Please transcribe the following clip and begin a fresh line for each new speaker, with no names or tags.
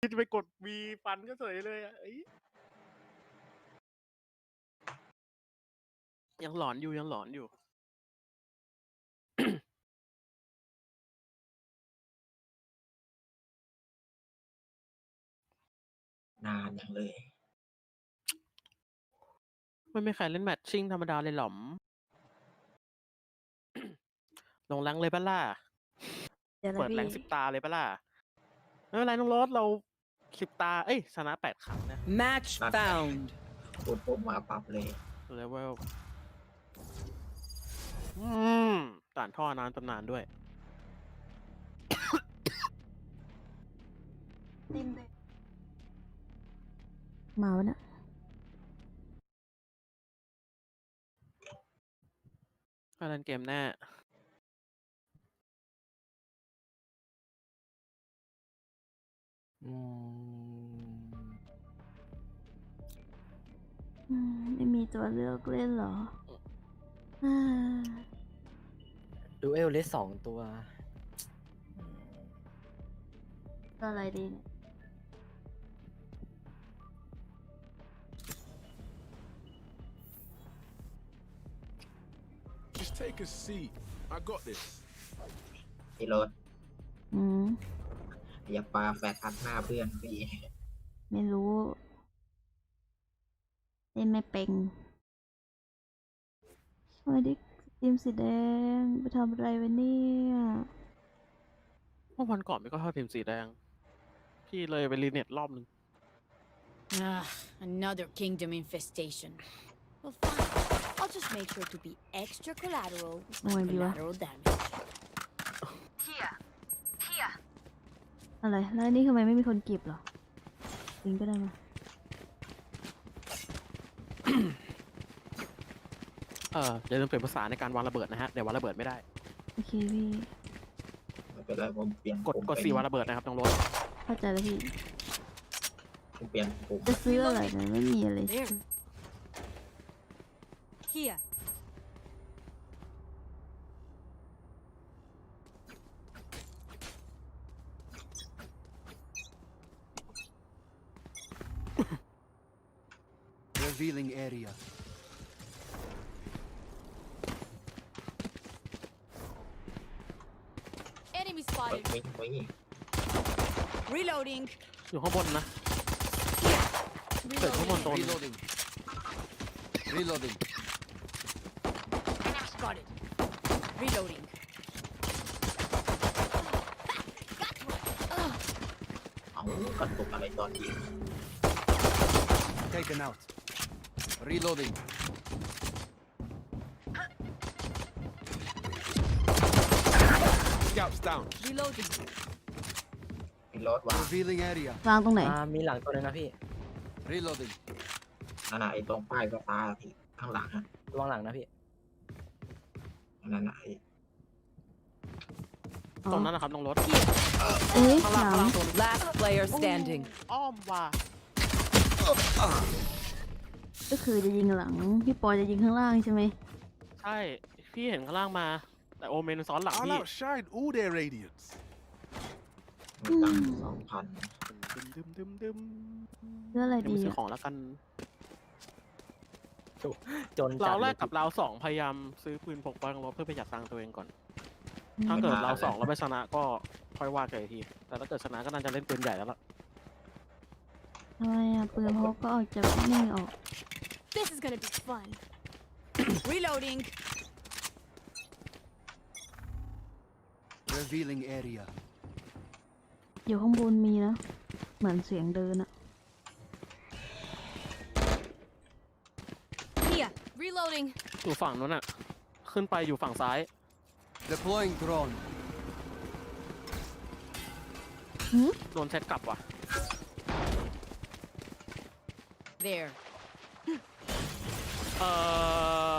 จะไปกดวีฟันก็เฉยเลยอ่ะยังหลอนอยู่ยังหลอนอยู่
นานอย่างเลย
ไม่มีใครเล่นแมทชิ่งธรรมดาเลยหรอม ลงแรงเลยปะล่ะ
เดี๋ยวนะ
เปิดแรง
พี่
10 ตาเลยปะล่ะ ไม่เป็นไรน้องโรสเรา10 ตา เอ้ยชนะ8 ครั้งนะ
Match found.
พูดปุ๊บมาปรับเลย
เลเวลด่านท่อนานตำนานด้วย
ติ้มเลยมาวะเนี่ย
ก็เล่นเกมแน่
ไม่มีตัวเลือกเล่นเหรออ่า
ดูเอลเลส2 ตัว
ตัวอะไรดีเนี่ย
Just take a seat. I got this.
พี่รถ
อืม
อย่าปาแฟร์ทัดหน้าเพื่อนพี่
ไม่รู้เล่นไม่เป็นสวัสดีทีมสีแดงไปทำอะไรวะเนี่ย
เมื่อวันก่อนไม่ก็ทอดทีมสีแดง พี่เลยไปรีเน็ตรอบนึง
Another kingdom infestation. Well, fine. I'll just make sure to be extra collateral with my
Oh, my dear.
collateral damage.
อะไรแล้วอันนี่ทำไมไม่มีคนเก็บเหรอยิงก็ได้มา
อย่าลืมเปลี่ยนภาษาในการวางระเบิดนะฮะ เดี๋ยววางระเบิดไม่ได้
โอเคพี่
ไม่เป็นไรผมเปลี่ยน
กด
ปุ่ม
กด
ไป
4วางระเบิดนะครับน้องโรส
เข้าใจแล้วพี่
ผมเปลี่ยนปุ่ม
จะซื้ออะไรนะไม่มีอะไร
There. Here.
Revealing area.
Enemy
เปิด
spotted.
ไม่
Reloading.
อยู่ข้างบนนะเกิดข้างบน
Reloading.
ตัวหนึ่ง
Reloading. Reloading.
Enemy spotted. Reloading.
เอากระตุกอะไรตอนยิง
Taken out. Reloading. Scouts down.
Reloading.
พี่รถวาง
Revealing area.
วางตรงไหน
มีหลังตัวนึงนะพี่
Reloading.
นั่นน่ะไอ้ตรงป้ายก็ตาพี่ข้างหลังอะ
ระวังหลังนะพี่
นั่นน่ะไอ้
ตรงนั้นนะครับน้องโรส
เอ้ย
ข้าง
ห
ล่าง
ลั
ข้าง งล่างตัวหนึง
Last player standing.
อ้อมว่ะ
ก็คือจะยิงหลัง พี่ปอยจะยิงข้างล่างใช่ไหม
ใช่ พี่เห็นข้างล่างมา แต่โอเมนซ้อนหลัง
I'll
พี่
outshine all their radiance.
มีตังค์2,000
ดึม
เรื่องอะไร
เดี๋ยว
ดี
ไปซื้อ
อะ
ของแล้วกัน
จนจั
เรา
ด
แร
เล
ก
ย
กับเราสองพยายามซื้อปืนพกไว้ของรถเพื่อประหยัดตังค์ตัวเองก่อน ถ้าเกิดเราสองเราไปชนะก็ค่อยว่ากันอีกที แต่ถ้าเกิดชนะก็น่าจะเล่นปืนใหญ่แล้วล่ะ
ทำไมอ่ะปืนพกก็ออกจากนี่ออก
This is gonna be fun. Reloading.
Revealing area.
อยู่ข้างบนมีนะ เหมือนเสียงเดินอะ
Here. Reloading.
อยู่ฝั่งนู้นอ่ะ ขึ้นไปอยู่ฝั่งซ้าย
Deploying drone.
โดนเช็คกลับว่ะ
There.
เอ่อ